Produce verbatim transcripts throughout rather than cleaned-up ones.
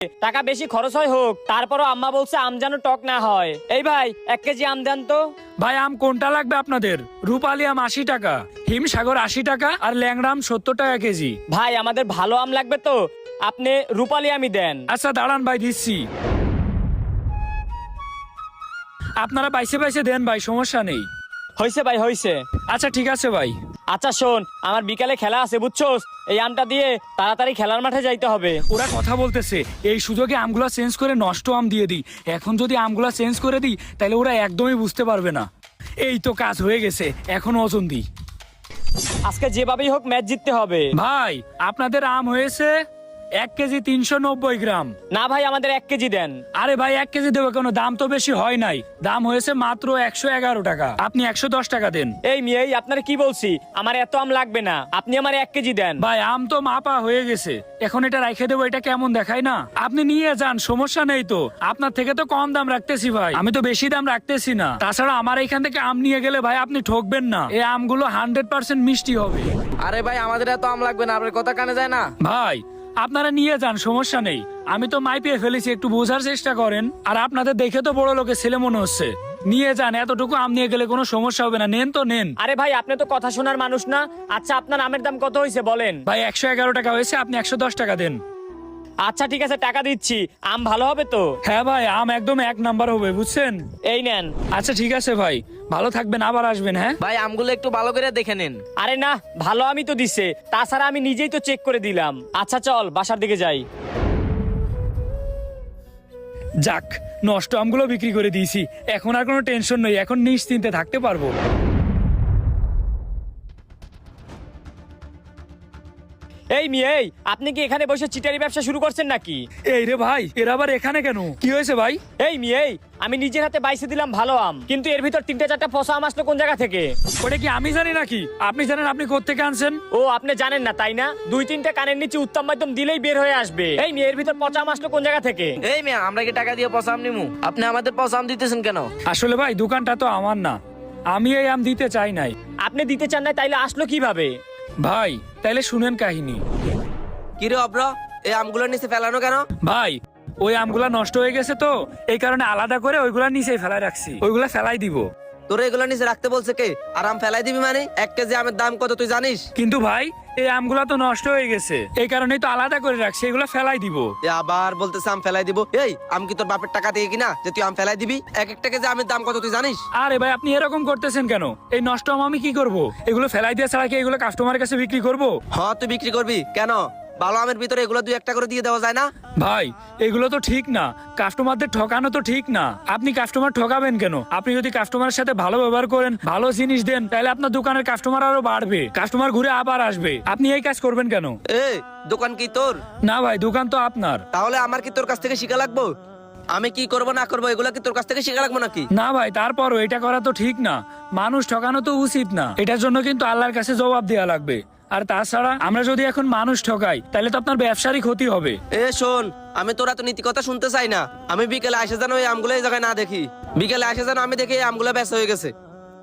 টাকা বেশি খরচ হয় হোক, তারপরও আম্মা বলছে আম যেন টক না হয়। এই ভাই এক কেজি আম দেন তো। ভাই আম কোনটা লাগবে আপনাদের? রূপালী আম আশি টাকা, হিমসাগর আশি টাকা, আর ল্যাংড়া আম সত্তর টাকা কেজি। ভাই আমাদের ভালো আম লাগবে তো, আপনি রূপালী আমই দেন। আচ্ছা দাঁড়ান ভাই, দিচ্ছি। আপনারা বাইসে বাইসে দেন ভাই, সমস্যা নেই। হইছে ভাই হইছে। আচ্ছা ঠিক আছে ভাই। আচ্ছা শোন, আমার বিকালে খেলা আছে বুঝছোস, এই আমটা দিয়ে তাড়াতাড়ি খেলার মাঠে যাইতে হবে। ওরা কথা বলতেছে এই সুযোগে আমগুলা চেঞ্জ করে নষ্ট আম দিয়ে দিই। এখন যদি আমগুলা চেঞ্জ করে দিই তাহলে ওরা একদমই বুঝতে পারবে না। এই তো কাজ হয়ে গেছে, এখন ওজন দিই। আজকে যেভাবেই হোক ম্যাচ জিততে হবে। ভাই আপনাদের আম হয়েছে এক কেজি তিনশো নব্বই গ্রাম। না ভাই আমাদের এক কেজি দেন। আরে ভাই এক কেজি দেবো কেন? দাম তো বেশি হয় নাই, দাম হয়েছে মাত্র একশো এগারো টাকা। আপনি একশো দশ টাকা দেন। এই মেয়ে আপনার কি বলছি, আমার এত আম লাগবে না, আপনি আমার এক কেজি দেন। ভাই আম তো মাপা হয়ে গেছে, এখন এটা রাখে দেবো, এটা কেমন দেখায় না? আপনি নিয়ে যান, সমস্যা নেই তো। আপনার থেকে তো কম দাম রাখতেছি ভাই, আমি তো বেশি দাম রাখতেছি না। তাছাড়া আমার এখান থেকে আম নিয়ে গেলে ভাই আপনি ঠকবেন না, এই আমগুলো হান্ড্রেড পার্সেন্ট মিষ্টি হবে। আরে ভাই আমাদের এত আম লাগবে না, আপনার কথা কানে যায় না। ভাই আপনারা নিয়ে যান, সমস্যা নেই। আমি তো মাইপিয়ে ফেলেছি, একটু বোঝার চেষ্টা করেন। আর আপনাদের দেখে তো বড় লোকের ছেলে মনে হচ্ছে। নিয়ে যান, এতটুকু আম নিয়ে গেলে কোনো সমস্যা হবে না। নেন তো নেন। আরে ভাই আপনি তো কথা শোনার মানুষ না। আচ্ছা আপনার আমের দাম কত হয়েছে বলেন। ভাই একশো এগারো টাকা হয়েছে, আপনি একশো দশ টাকা দেন। আচ্ছা ঠিক আছে টাকা দিচ্ছি, আম ভালো হবে তো? হ্যাঁ ভাই আম একদম এক নাম্বার হবে, বুঝছেন? এই নেন। আচ্ছা ঠিক আছে ভাই, ভালো থাকবেন, আবার আসবেন। হ্যাঁ ভাই আমগুলো একটু ভালো করে দেখে নিন। আরে না, ভালো আমি তো দিছে, তাছাড়া আমি নিজেই তো চেক করে দিলাম। আচ্ছা চল বাসার দিকে যাই। যাক, নষ্ট আমগুলো বিক্রি করে দিয়েছি, এখন আর কোনো টেনশন নেই, এখন নিশ্চিন্তে থাকতে পারবো। এই মেয়ে, আপনি কি এখানে বসে চিটারি ব্যবসা শুরু করছেন নাকি? এই রে ভাই, এরা আবার এখানে কেন? কি হয়েছে ভাই? এই মেয়ে, আমি নিজের হাতে বাইসে দিলাম ভালো আম, কিন্তু এর ভিতর তিনটা চারটা পচা আম আসলো কোন জায়গা থেকে? ওটা কি আমি জানি নাকি? আপনি জানেন, আপনি কোত্থেকে আনছেন? ও আপনি জানেন না তাই না? দুই তিনটা কানের নিচে উত্তম মাধ্যম দিলেই বের হয়ে আসবে। এই মেয়ে, এর ভিতর পচা আম আসলো কোন জায়গা থেকে? এই মেয়ে, আমরা কি টাকা দিয়ে পয়সা আম নিমু? আপনি আমাদের পয়সা আম দিতেছেন কেন? আসলে ভাই দোকানটা তো আমার না, আমি এই আম দিতে চাই নাই। আপনি দিতে চান না তাইলে আসলো কিভাবে? ভাই তাইলে শুনেন কাহিনী। কিরে অব্র, এই আমগুলো নিচে ফেলানো কেন? ভাই ওই আমগুলা নষ্ট হয়ে গেছে তো, এই কারণে আলাদা করে ওইগুলা নিচেই ফেলাই রাখছি, ওইগুলা ফেলাই দিব। তোর এগুলো নিচে রাখতে বলছে কে? আর আম ফেলাই দিবি মানে? এক কেজি আমের দাম কত তুই জানিস? কিন্তু ভাই এই আমগুলা তো নষ্ট হয়ে গেছে, এই কারণেই তো আলাদা করে রাখছি, এগুলা ফেলাই দিব। এ আবার বলতেছে আম ফেলাই দিব। এই আম কি তোর বাপের টাকা দিয়ে কিনা যে তুই আম ফেলাই দিবি? এক একটা কেজি আমের দাম কত তুই জানিস? আরে ভাই আপনি এরকম করতেছেন কেন? এই নষ্ট আম আমি কি করব? এগুলো ফেলাই দিয়ে ছাড়া কি এগুলো কাস্টমারের কাছে বিক্রি করব? হ্যাঁ তুই বিক্রি করবি কেন? ভালো আমের ভিতরে এগুলো দুই একটা করে দিয়ে দেওয়া যায় না? ভাই এগুলো তো ঠিক না, কাস্টমারদের ঠকানো তো ঠিক না। আপনি কাস্টমার ঠকাবেন কেন? আপনি যদি কাস্টমারের সাথে ভালো ব্যবহার করেন, ভালো জিনিস দেন, তাহলে আপনার দোকানের কাস্টমার আরো বাড়বে, কাস্টমার ঘুরে আবার আসবে। আপনি এই কাজ করবেন কেন? এ দোকান কি তোর? না ভাই, দোকান তো আপনার। তাহলে আমার কি তোর কাছ থেকে শিখা লাগবো? আমি কি করব না করবো এগুলো কি তোর কাছ থেকে শিখা লাগবো নাকি? না ভাই, তারপরও এটা করা তো ঠিক না, মানুষ ঠকানো তো উচিত না। এটার জন্য কিন্তু আল্লাহর কাছে জবাব দেওয়া লাগবে। আর তাছাড়া আমরা যদি এখন মানুষ ঠকাই তাহলে তো আপনার ব্যবসারই ক্ষতি হবে। এ শোন, আমি তোরা তো নীতি কথা শুনতে চাই না। আমি বিকেলে আসে যেন এই আমগুলো এই জায়গায় না দেখি। বিকেলে আসে যেন আমি দেখি এই আমগুলো ব্যস্ত হয়ে গেছে।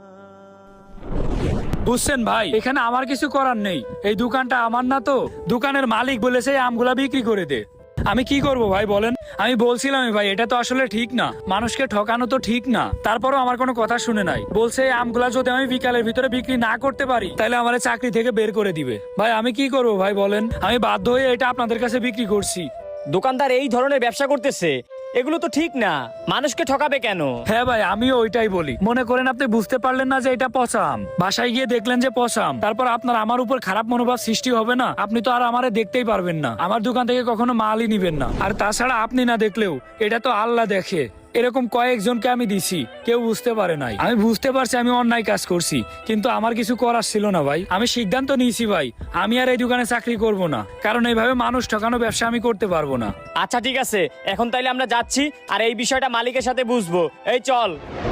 বুঝছেন ভাই, এখানে আমার কিছু করার নেই, এই দোকানটা আমার না তো। দোকানের মালিক বলেছে এই আমগুলা বিক্রি করে দে। আমি কি করব ভাই বলেন? আমি বলছিলাম ভাই এটা তো আসলে ঠিক না, মানুষকে ঠকানো তো ঠিক না। তারপরও আমার কোনো কথা শুনে নাই, বলছে এই আমগুলা যদি আমি বিকালের ভিতরে বিক্রি না করতে পারি তাহলে আমার চাকরি থেকে বের করে দিবে। ভাই আমি কি করব ভাই বলেন? আমি বাধ্য হয়ে এটা আপনাদের কাছে বিক্রি করছি। দোকানদার এই ধরনের ব্যবসা করতেছে, এগুলো তো ঠিক না, মানুষকে ঠকাবে কেন? হ্যাঁ ভাই আমিও ওইটাই বলি। মনে করেন আপনি বুঝতে পারলেন না যে এটা পচা আম, বাসায় গিয়ে দেখলেন যে পচা আম, তারপর আপনার আমার উপর খারাপ মনোভাব সৃষ্টি হবে না? আপনি তো আর আমারে দেখতেই পারবেন না, আমার দোকান থেকে কখনো মালই নিবেন না। আর তাছাড়া আপনি না দেখলেও এটা তো আল্লাহ দেখে। এরকম কয়েকজনকে আমি দিছি, কেউ বুঝতে পারে নাই। আমি বুঝতে পারছি আমি অন্যায় কাজ করছি, কিন্তু আমার কিছু করার ছিল না ভাই। আমি সিদ্ধান্ত নিয়েছি ভাই, আমি আর এই দোকানে চাকরি করব না, কারণ এইভাবে মানুষ ঠকানো ব্যবসা আমি করতে পারবো না। আচ্ছা ঠিক আছে, এখন তাইলে আমরা যাচ্ছি, আর এই বিষয়টা মালিকের সাথে বুঝবো। এই চল।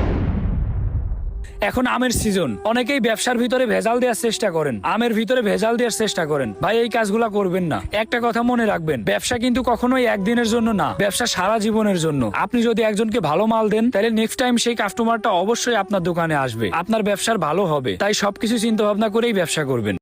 এখন আমের সিজন, অনেকেই ব্যবসার ভিতরে ভেজাল দেওয়ার চেষ্টা করেন, আমের ভিতরে ভেজাল দেওয়ার চেষ্টা করেন। ভাই এই কাজগুলা করবেন না। একটা কথা মনে রাখবেন, ব্যবসা কিন্তু কখনোই একদিনের জন্য না, ব্যবসা সারা জীবনের জন্য। আপনি যদি একজনকে ভালো মাল দেন তাহলে নেক্সট টাইম সেই কাস্টমারটা অবশ্যই আপনার দোকানে আসবে, আপনার ব্যবসার ভালো হবে। তাই সবকিছু চিন্তা ভাবনা করেই ব্যবসা করবেন।